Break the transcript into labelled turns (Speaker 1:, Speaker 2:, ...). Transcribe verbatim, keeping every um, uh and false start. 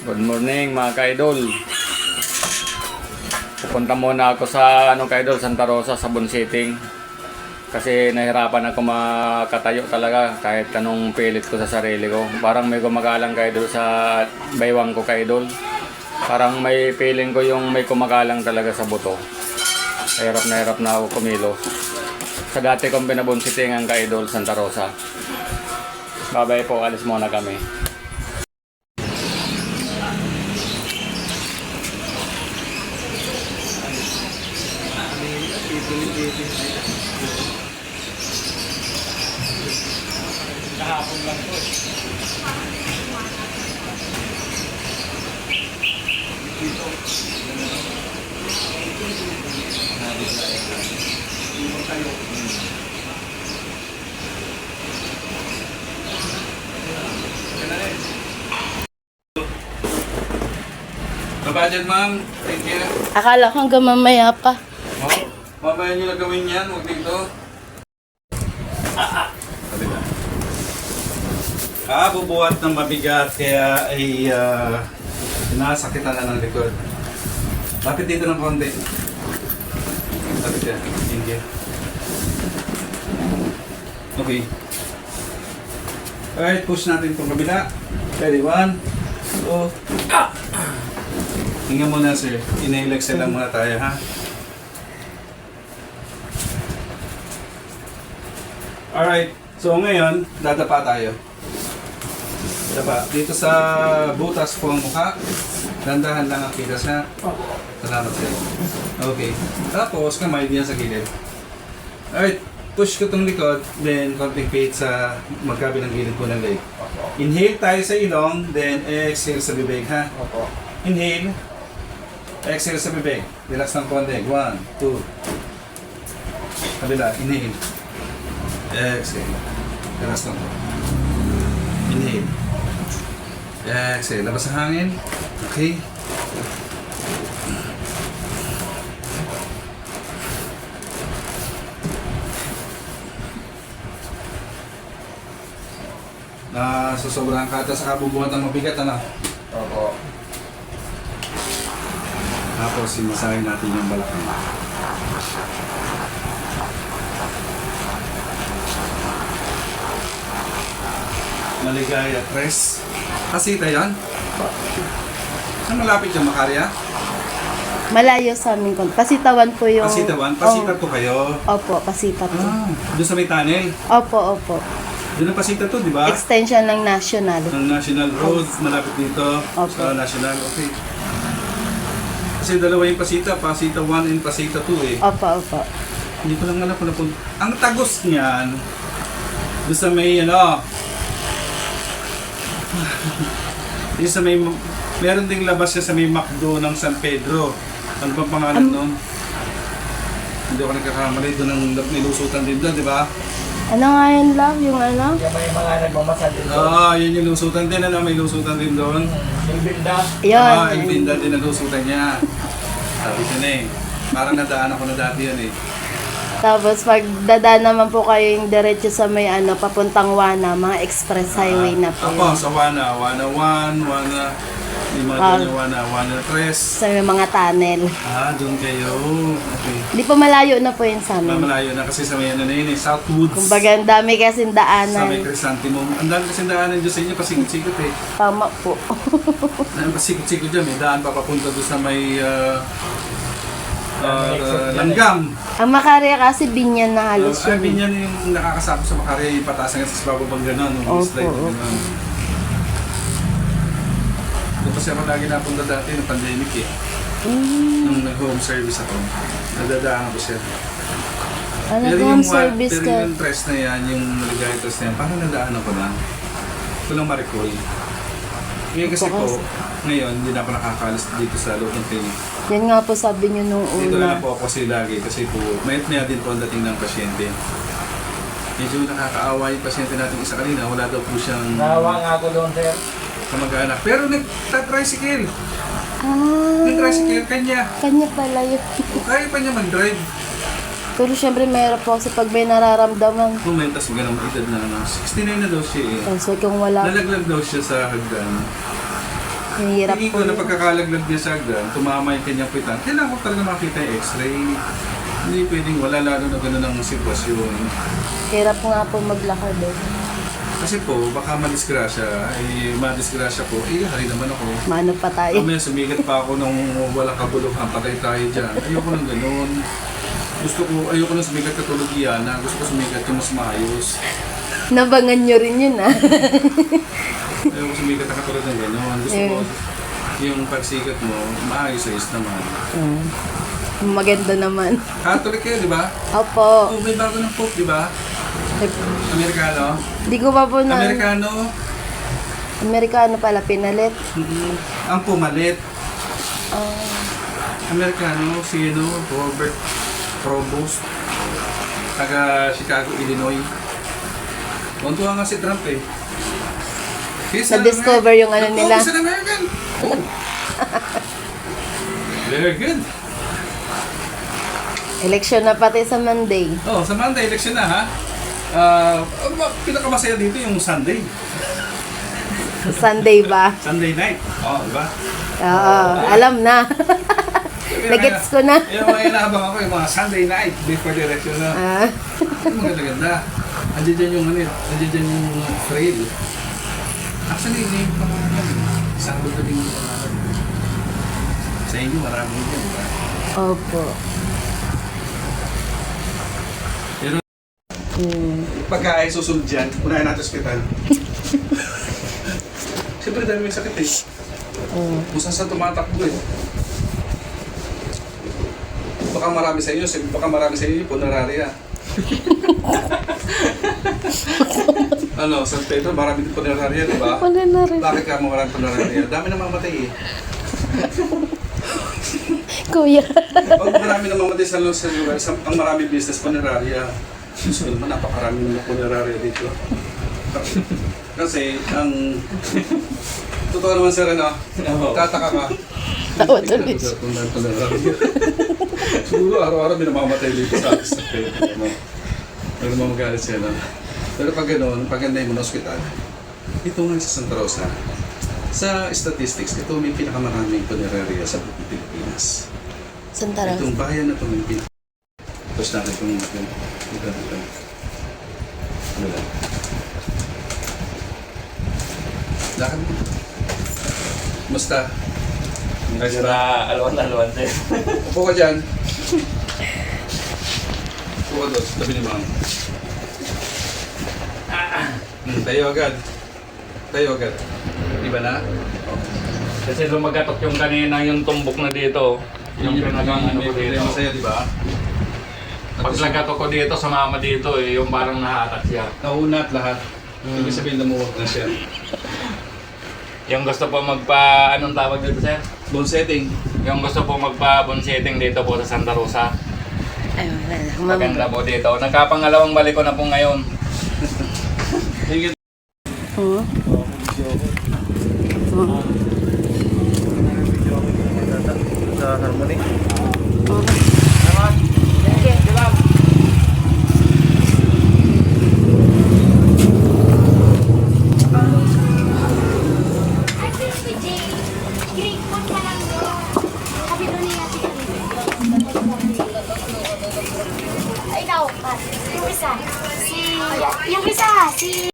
Speaker 1: Good morning mga ka-idol. Pupunta muna ako sa ano ka-idol, Santa Rosa, sabon sitting. Kasi nahirapan ako makatayo talaga kahit anong pilit ko sa sarili ko. Parang may gumagalang ka-idol sa baywang ko ka-idol. Parang may feeling ko yung may kumagalang talaga sa buto. Hirap na hirap na ako kumilos. Sa dati kong pinabonsiting ang ka-idol, Santa Rosa. Babay po, alis muna kami. Kahapon lang po. Dito. Babadyan, ma'am. Thank you.
Speaker 2: Akala ko hanggang mamaya pa.
Speaker 1: Oh, mamaya nyo na gawin yan. Huwag dito. Ah, ah. Ah, bubuhat ng mabigat kaya ay uh, nasakitan na ng likod. Lapit dito ng konti. Lapit yan. Thank you. Okay. Alright, push natin itong kabila. Ready, one, two, ah! Hinga muna, sir. Inhale, exhale lang muna tayo, ha? Alright, so ngayon, dadapa tayo. Dapa. Dito sa butas po ang mukha. Dandahan lang ang kitas na. Salamat sir. Okay. Tapos, kamay diyan sa gilid. Alright, push ko itong likod, then konting pihit sa magkabilang gilid po ng leg. Inhale tayo sa ilong, then exhale sa bibig, ha? Inhale. Exhale sa bibig. Relax ng konti. One, two. Kabila. Inhale. Exhale. Relax ng konti. Inhale. Exhale. Labas ang hangin. Okay. Na susobrahan ka ata sa kabubuhat ng mabigat, ano? Opo. Tapos simasahin natin yung balakang. Maligaya, tres. Pasita yan? Saan malapit yung Makarya?
Speaker 2: Malayo sa amin kon. Pasitawan po yung...
Speaker 1: Pasitawan? Pasita to kayo?
Speaker 2: Opo, pasita po.
Speaker 1: Ah, doon sa may tunnel?
Speaker 2: Opo, opo.
Speaker 1: Doon ang pasita to, di ba?
Speaker 2: Extension ng National.
Speaker 1: Ng National Road, malapit dito.
Speaker 2: Opo.
Speaker 1: Sa National, okay. Kasi dalawa yung pasita, pasita one and pasita two eh.
Speaker 2: Opo, opo.
Speaker 1: Hindi ko lang alam kung napun... Ang tagos niyan, doon sa may ano... Yung sa may... Meron ding labas siya sa may McDo ng San Pedro. Ano bang pangalan um, nun? Hindi ako nagkakamali. Doon ang nilusutan din doon, di ba?
Speaker 2: Ano nga yun, love? Yung ano?
Speaker 3: Yung may mga nagmamasal din doon.
Speaker 1: Oo, oh, yun yung lusutan din. Ano, may lusutan din doon.
Speaker 3: Yung binda.
Speaker 2: Yun.
Speaker 1: Ah, yung binda din ang lusutan niya. Sabi siya na eh. Parang nadaan ako na dati yan eh.
Speaker 2: Tapos pag dadaan naman po kayo yung diretso sa may ano, papuntang Wana, mga express highway na po
Speaker 1: Ako,
Speaker 2: yun.
Speaker 1: sa Wana. Wana one, Wana... Lima
Speaker 2: Ah.
Speaker 1: doon yung Wana. Wana tres.
Speaker 2: Sa may mga tunnel.
Speaker 1: Ah, doon kayo. Okay.
Speaker 2: Hindi po malayo na po yun sa amin.
Speaker 1: Mamalayo na kasi sa may ano na yun eh. Southwoods.
Speaker 2: Kumbaga, ang dami kasing
Speaker 1: Sa may
Speaker 2: daanan.
Speaker 1: Crisantimum. Ang dami kasi daanan dyan sa inyo. Pasikot-sikot eh.
Speaker 2: Tama po.
Speaker 1: Ang pasikot-sikot dyan. May daan pa papunta doon sa may... Uh, uh, langgam.
Speaker 2: Ang Makarya kasi binyan na halos
Speaker 1: Uh,
Speaker 2: yun.
Speaker 1: sabi niya yung nakakasama sa Makarya, yung pataas hanggang sa bababang gano'n, yung
Speaker 2: Opo,
Speaker 1: slide na
Speaker 2: opo.
Speaker 1: gano'n. Doon kasi ako lagi napunta dati ng pandemic eh.
Speaker 2: Mm.
Speaker 1: Nung nag-home service ako, nadadaan ako siya.
Speaker 2: Ano
Speaker 1: Pero
Speaker 2: home
Speaker 1: yung, wa-
Speaker 2: service
Speaker 1: pero
Speaker 2: ka?
Speaker 1: yung stress na yan, yung maligaya stress na yan, parang nadaan ako na. Ito lang ma-recall. Ngayon kasi
Speaker 2: Ito
Speaker 1: po,
Speaker 2: kasi.
Speaker 1: ngayon hindi na ako nakakalis dito sa loob ng clinic.
Speaker 2: Yan nga po sabi niyo nung
Speaker 1: Dito na
Speaker 2: una.
Speaker 1: lang po ako kasi lagi kasi po, mayat maya din po ang dating ng pasyente. Medyo nakakaawa yung pasyente natin isa kanina, wala daw po siyang
Speaker 3: Nawa nga ako doon, sir.
Speaker 1: kamag-anak. Pero nag-tricycle.
Speaker 2: Ah,
Speaker 1: Nag-tricycle kanya.
Speaker 2: kanya pala yun.
Speaker 1: O kaya pa niya mag-drive.
Speaker 2: Pero syempre mayroon po kasi pag may nararamdaman.
Speaker 1: Kumentas mo ganang edad na ano. sixty-nine na daw siya eh.
Speaker 2: Kasi kung wala,
Speaker 1: Nalaglag daw siya sa hagdan.
Speaker 2: Mahirap
Speaker 1: tingin
Speaker 2: po
Speaker 1: ko na
Speaker 2: yun.
Speaker 1: pagkakalaglag niya sa hagdan, tumama yung kanyang pitan, kailangan ko talaga makita yung x-ray. Hindi pwedeng wala, lalo na gano'n ang sitwasyon.
Speaker 2: Hirap nga po maglakad eh.
Speaker 1: Kasi po, baka madisgrasya, eh, madisgrasya po, eh, hari naman ako.
Speaker 2: Mano pa tayo.
Speaker 1: Kami, sumigat pa ako nung walang kabuluhan, patay tayo dyan. Ayoko nang ganun. Gusto ko, ayoko nang sumigat katulog yan, na gusto ko sumigat yung mas maayos.
Speaker 2: Nabangan nyo rin yun ah.
Speaker 1: Ayoko sumigat na katulad ng ganun. Gusto ko, yung pagsikat mo, maayos-ayos naman.
Speaker 2: Mm. Maganda naman.
Speaker 1: Catholic kayo, di ba?
Speaker 2: Opo.
Speaker 1: Oh, may bago ng Pope, di ba? Amerikano?
Speaker 2: Hindi ko pa po na...
Speaker 1: Amerikano?
Speaker 2: Amerikano pala, pinalit.
Speaker 1: Mm-mm. Ang pumalit.
Speaker 2: Ah,
Speaker 1: Amerikano, si ano, Robert Provost. Taga Chicago, Illinois. Tuntua nga si Trump eh. He's an
Speaker 2: Na-discover yung ano
Speaker 1: American.
Speaker 2: nila.
Speaker 1: Oh, he's an American! Oh. Very good.
Speaker 2: Eleksyon na pati sa Monday.
Speaker 1: Oh, sa Monday, election na ha. Ah, uh, pinakamasaya dito yung Sunday.
Speaker 2: Sunday ba?
Speaker 1: Sunday night. Oh, di ba?
Speaker 2: Oo, alam na. Nagets ko na.
Speaker 1: Yung mga inaabang ako, yung mga Sunday night before the election na.
Speaker 2: Ah,
Speaker 1: Yung maganda-ganda. Andiyan dyan yung ano, andiyan dyan yung trail. Actually, hindi yung pangalan. Sabado din yung pangalan. Sa inyo, marami din, di ba?
Speaker 2: opo.
Speaker 1: Pero
Speaker 2: Hmm.
Speaker 1: pagka ay susunod dyan, unahin natin sa ospital. Siyempre, dami may sakit eh.
Speaker 2: Mm.
Speaker 1: Kung saan saan tumatakbo eh. Baka marami sa inyo, baka marami sa inyo yung puneraria. Ano, San Pedro, marami din puneraria, di ba?
Speaker 2: Wala na rin.
Speaker 1: Bakit ka marami puneraria? Dami na mamatay eh.
Speaker 2: Kuya.
Speaker 1: Pag marami na mamatay sa sa lugar, sa, ang marami business puneraria. Susunod naman, napakarami ng puneraria dito. Kasi, ang... Totoo naman sir, ano? Tataka ka.
Speaker 2: Tawa tuloy siya.
Speaker 1: Siguro araw-araw may namamatay dito sa sa Pedro. Ano? Pero mamagalit siya, no? Pero pag gano'n, pag ganda mo ng ospital, ito nga sa Santa Rosa, sa statistics, ito may pinakamaraming puneraria sa buong Pilipinas.
Speaker 2: Santa Rosa.
Speaker 1: Itong bayan na ito may pinaka... Tapos natin itong natin. Ito, ito. Ano lang? Lakad mo. Musta?
Speaker 3: Nagsa alwan-alwan sir.
Speaker 1: Upo ka dyan. Upo ka doon, tabi ni Ma'am. Hmm, tayo agad. Tayo agad. Iba na?
Speaker 3: Kasi lumagatok yung kanina yung tumbok na dito. Yung pinagang ano ko
Speaker 1: May
Speaker 3: dito.
Speaker 1: masaya, di ba?
Speaker 3: Pag lagatok ko dito, sumama dito eh, yung parang nahatak siya.
Speaker 1: Nauna at lahat.
Speaker 3: Hmm.
Speaker 1: Ibig sabihin lumuwag na siya.
Speaker 3: Yung gusto po magpa, anong tawag dito sir?
Speaker 1: Bone setting.
Speaker 3: Yung gusto po magpa bone setting dito po sa Santa Rosa.
Speaker 2: Ay, wala na.
Speaker 3: Maganda po dito. Nagkapangalawang balik ko na po ngayon.
Speaker 1: Sige.
Speaker 2: Hmm? Hmm.
Speaker 1: Sa harmony.
Speaker 2: Hmm.